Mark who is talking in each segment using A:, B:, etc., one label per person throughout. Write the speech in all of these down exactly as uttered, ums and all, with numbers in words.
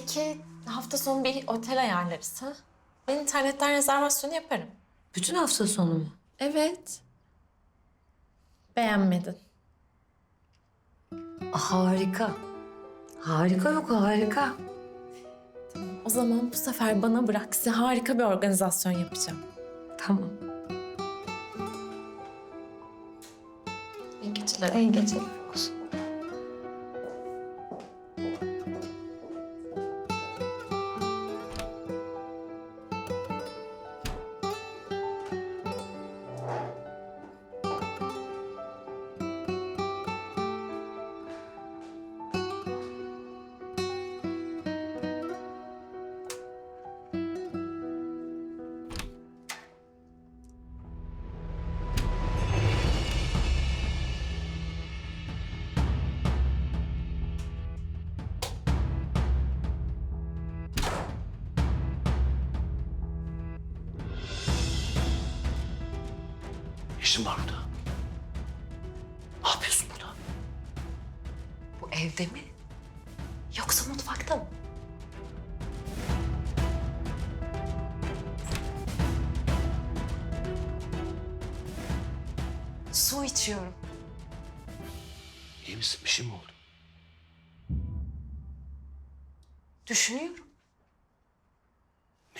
A: Belki hafta sonu bir otel ayarlarız ha? Ben internetten rezervasyonu yaparım.
B: Bütün hafta sonu mu?
A: Evet. Beğenmedin.
B: Harika. Harika yok harika.
A: O zaman bu sefer bana bırak. Size harika bir organizasyon yapacağım.
B: Tamam.
A: İyi geceler.
B: İyi geceler.
C: İşin var burada. Ne yapıyorsun burada?
B: Bu evde mi? Yoksa mutfakta mı? Su içiyorum.
C: İyi misin? Bir şey mi oldu?
B: Düşünüyorum.
C: Ne?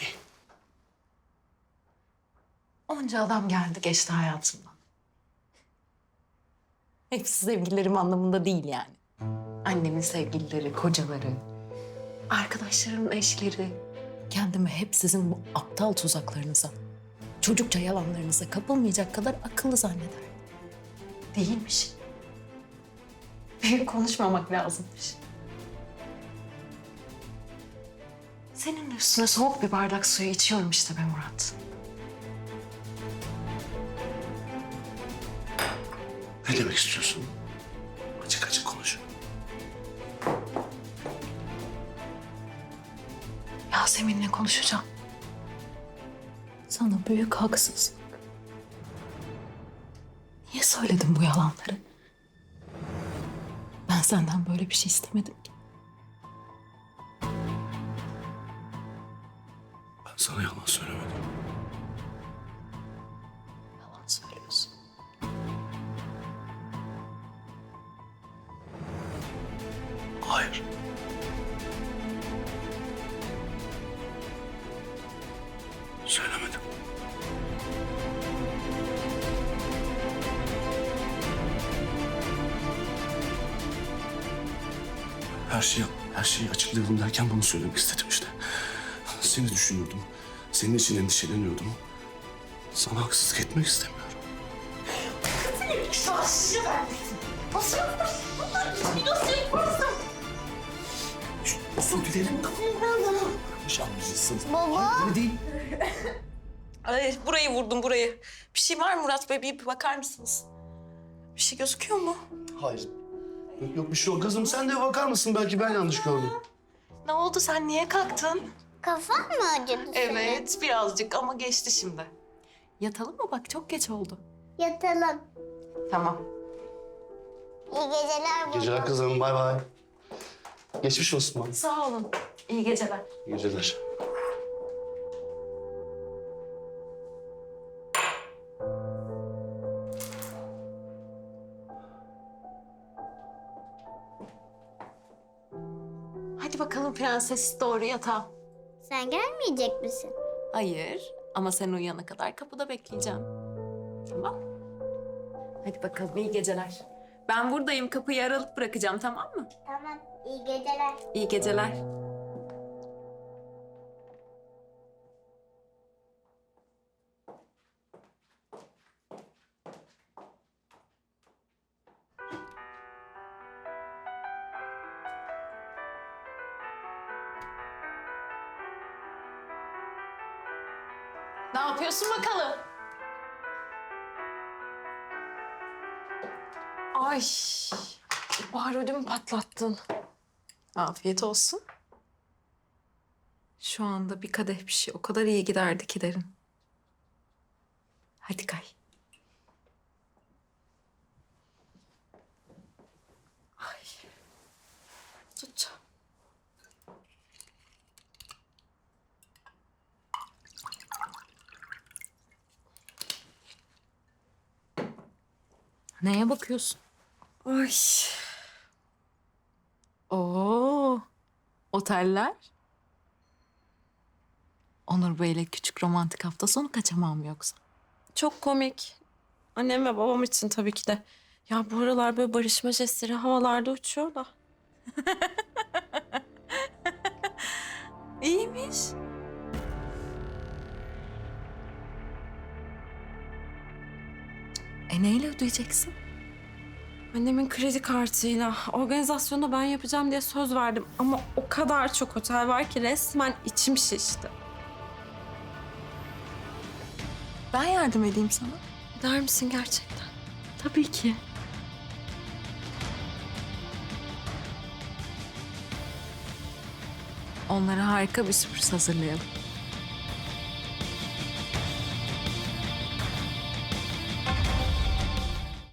B: Onca adam geldi geçti hayatımdan. Hepsi sevgililerim anlamında değil yani. Annemin sevgilileri, kocaları, arkadaşlarımın eşleri. Kendimi hep sizin bu aptal tuzaklarınıza, çocukça yalanlarınıza kapılmayacak kadar akıllı zannederdim. Değilmiş. Büyük konuşmamak lazımmış. Senin de üstüne soğuk bir bardak suyu içiyorum işte be Murat.
C: Ne demek istiyorsun? Açık açık konuş.
B: Yasemin'le konuşacağım. Sana büyük haksızlık. Niye söyledin bu yalanları? Ben senden böyle bir şey istemedim ki.
C: Ben sana yalan söylemedim.
B: Yalan söylüyorsun.
C: Hayır. Söylemedim. Her şeyi, her şeyi açıklayalım derken bunu söylemek istedim işte. Seni düşünüyordum. Senin için endişeleniyordum. Sana haksızlık etmek istemiyorum. Özür dilerim. Yanlışsın.
D: Baba.
C: Öyle değil.
B: Ay, burayı vurdum burayı. Bir şey var mı Murat Bey? Bir bakar mısınız? Bir şey gözüküyor mu?
C: Hayır. Yok, yok bir şey yok. Kızım sen de bakar mısın? Belki ben yanlış gördüm.
B: Ne oldu? Sen niye kalktın?
D: Kafan mı acıdı senin?
B: Evet, birazcık ama geçti şimdi. Yatalım mı? Bak çok geç oldu.
D: Yatalım.
B: Tamam.
D: İyi geceler baba.
C: Geceler kızım. Bay bay. Geçmiş olsun bana.
B: Sağ olun. İyi geceler.
C: İyi geceler.
B: Hadi bakalım prenses doğru yatağa.
D: Sen gelmeyecek misin?
B: Hayır ama sen uyuyana kadar kapıda bekleyeceğim. Tamam. Hadi bakalım iyi geceler. Ben buradayım kapıyı aralık bırakacağım tamam mı?
D: Tamam. İyi geceler.
B: İyi geceler. Ne yapıyorsun bakalım?
A: Ay, Bahar ödümü patlattın.
B: Afiyet olsun. Şu anda bir kadeh bir şey o kadar iyi giderdi ki derin. Hadi kay. Ay. Tut. Neye bakıyorsun?
A: Ay.
B: Oo, oteller. Onur Bey'le küçük romantik hafta sonu kaçamam yoksa?
A: Çok komik. Annem ve babam için tabii ki de. Ya bu aralar böyle barışma jestleri havalarda uçuyor da.
B: İyiymiş. E neyle ödeyeceksin?
A: Annemin kredi kartıyla organizasyonu da ben yapacağım diye söz verdim. Ama o kadar çok otel var ki resmen içim şişti.
B: Ben yardım edeyim sana.
A: Der misin gerçekten?
B: Tabii ki. Onlara harika bir sürpriz hazırlayalım.